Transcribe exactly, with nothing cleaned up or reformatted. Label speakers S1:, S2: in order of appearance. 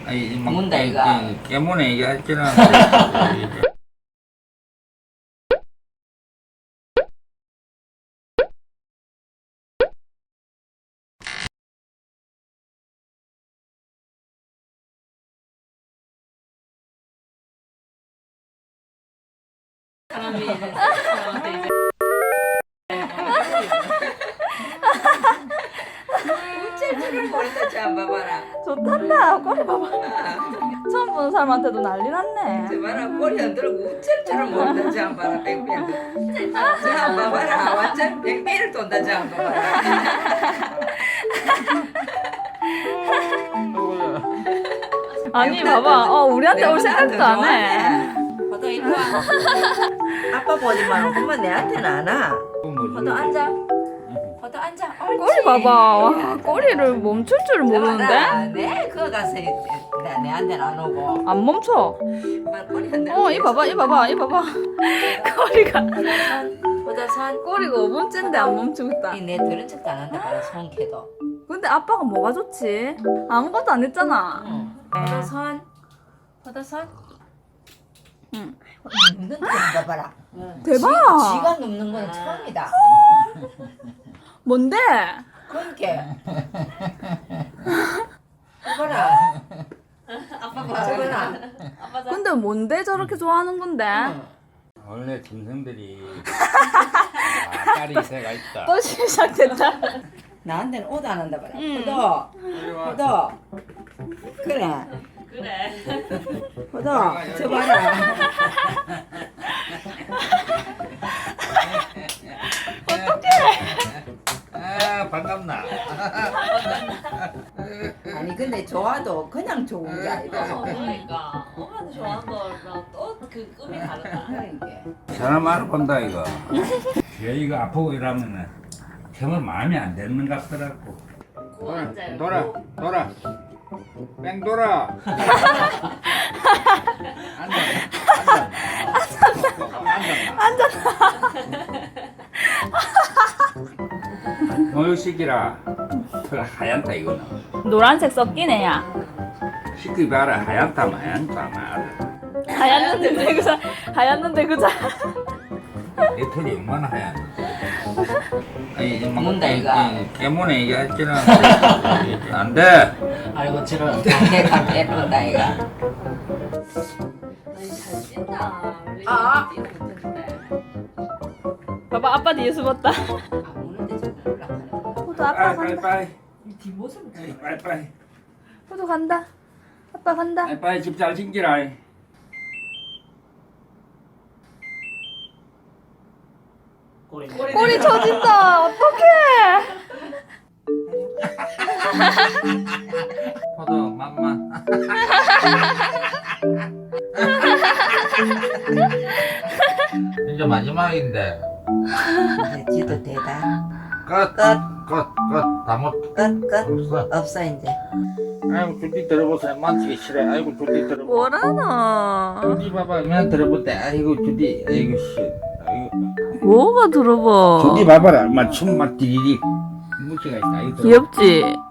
S1: 아니, 막,
S2: 문다, 이거.
S1: 깨문에 얘기했잖아.
S2: 사람이 이제 사람한테 이제 우체국을 모른다지 안 봐봐라.
S3: 좋단다. 꼬리 봐봐. 처음 보는 사람한테도 난리 났네.
S2: 저 봐라 꼬리 안 들고 우체처럼 모른다지 안 봐라. 뺑뺑 저안 봐봐라. 완전 뺑뺑이를 돈다지 안 봐봐라.
S3: 아니 봐봐. 어 우리한테 올 생각도 안 해.
S2: 포도 이리 와. 아빠 보지만 엄마 내한테는 안 와. 포도 앉아. 포도 앉아. 옳지.
S3: 꼬리 봐봐. 와, 꼬리를 멈출 줄 모르는데?
S2: 네, 그거 가서 내, 내한테는 안 오고.
S3: 안 멈춰.
S2: 말 꼬리 안 들고.
S3: 어, 이 봐봐, 이 봐봐, 이 봐봐. 꼬리가
S2: 포도 손.
S3: 꼬리가 오 번째인데 안 멈추고 있다.
S2: 내 들은 척도 안 한다. 봐라 손캐도.
S3: 근데 아빠가 뭐가 좋지? 아무것도 안 했잖아.
S2: 응. 포도 손. 포도 손.
S3: 응.
S2: 눕는 거 봐봐라.
S3: 대박.
S2: 지, 지가 눕는 건 처음이다.
S3: 뭔데?
S2: 그러니까. 봐라. 아빠 봐. 저거나. 아빠
S3: 근데 뭔데 저렇게 좋아하는 건데?
S1: 원래 짐승들이 아, 딸이 새가 있다.
S3: 또 시작됐다.
S2: 나한테는 오도 안 한다 봐라.
S3: 응.
S2: 포도.
S1: 이리 와.
S2: 포도. 그래.
S4: 그래.
S2: 포도. 저 봐라.
S1: 아, 반갑나?
S2: 아니 근데 좋아도 그냥 좋은 게 아니다.
S4: 그러니까 엄마한테 좋아하는 거랑 또 그 꿈이 다르다.
S2: 그러니까.
S1: 사람 알아본다, 이거. 얘 이거 아프고 이러면은 정말 마음이 안 드는 것 같더라고.
S4: 고 앉아요.
S1: 돌아, 돌아. 뺑 돌아. 앉아, 앉아. 앉아. 모유시키라. 털 하얀다, 이거는.
S3: 노란색 섞인 애야.
S1: 시키 봐라, 하얀다, 하얀다, 말아.
S3: 하얗는데 그자. 하얗는데 그자.
S1: 내 털이 얼마나 하얀. 아니, 막,
S2: 문다, 이거.
S1: 깨문에 얘기했잖아. 안 돼.
S2: 아이고 저런 강대강 예쁜다 이가.
S4: 아니 잘 뛴다. 우리
S2: 아.
S4: 뛰는 못했는데.
S3: 봐봐 아빠 뒤에 숨었다.
S2: 아 오는데 좀 올라가는 거.
S3: 포도 아빠
S1: 빨리,
S3: 간다.
S1: 빨리,
S4: 이 뒷모습을
S1: 빨리. 빨리, 빨리.
S3: 포도 간다. 아빠 간다.
S1: 빨리, 빨리 집 잘 챙기라.
S3: 꼬리 쳐진다. 어떡해.
S1: 포도, 맘마. 이제 마지막인데.
S2: 이제 지도 되다.
S1: 끝, 끝, 끝, 끝. 다 못,
S2: 끝 끝.
S1: 없어.
S2: 없어 이제.
S1: 아이고, 줄디 들어보세요. 만지기 싫어. 아이고, 줄디 들어보.
S3: 뭐라노.
S1: 줄디 봐봐. 그냥 들어볼 때. 아이고, 줄디. 아이고, 씨. 아이고.
S3: 뭐가 들어봐.
S1: 줄디 봐봐라. 얼마 춤막 디디디. 무지가 있다. 아이고, 들어봐.
S3: 귀엽지?